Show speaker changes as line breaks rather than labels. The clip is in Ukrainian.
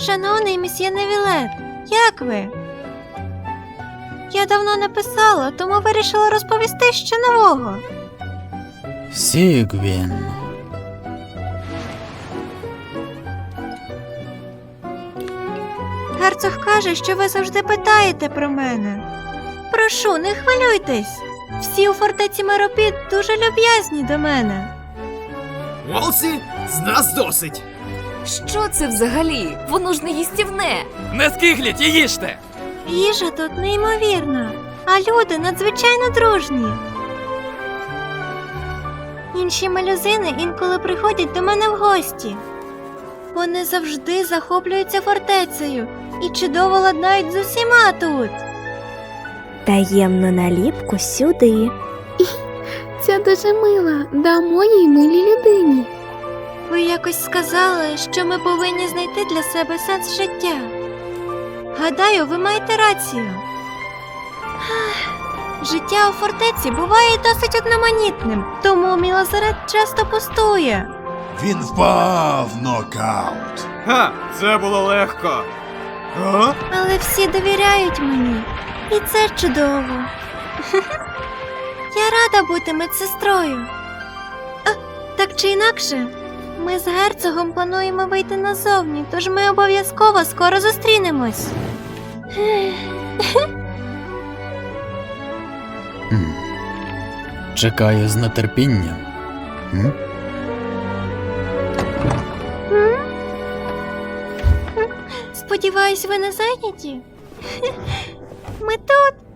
Шановний місьє Невілет, як ви? Я давно не писала, тому вирішила розповісти що нового.
Сігвін.
Герцог каже, що ви завжди питаєте про мене. Прошу, не хвилюйтесь. Всі у фортеці Меропід дуже люб'язні до мене.
Волсі, з нас досить.
Що це взагалі? Воно ж не їстівне.
Не скигліть і їжте!
Їжа тут неймовірна, а люди надзвичайно дружні. Інші малюзини інколи приходять до мене в гості. Вони завжди захоплюються фортецею і чудово ладнають з усіма тут.
Таємну наліпку сюди. Ця дуже мила, дамо їй милій людині.
Ви якось сказали, що ми повинні знайти для себе сенс життя. Гадаю, ви маєте рацію. Життя у фортеці буває досить одноманітним, тому мій лазарет часто пустує.
Він впав в нокаут.
Ха, це було легко. А?
Але всі довіряють мені, і це чудово. Я рада бути медсестрою. Так чи інакше, ми з герцогом плануємо вийти назовні, тож ми обов'язково скоро зустрінемось.
Чекаю з нетерпінням.
Сподіваюсь, ви не зайняті? Ми тут.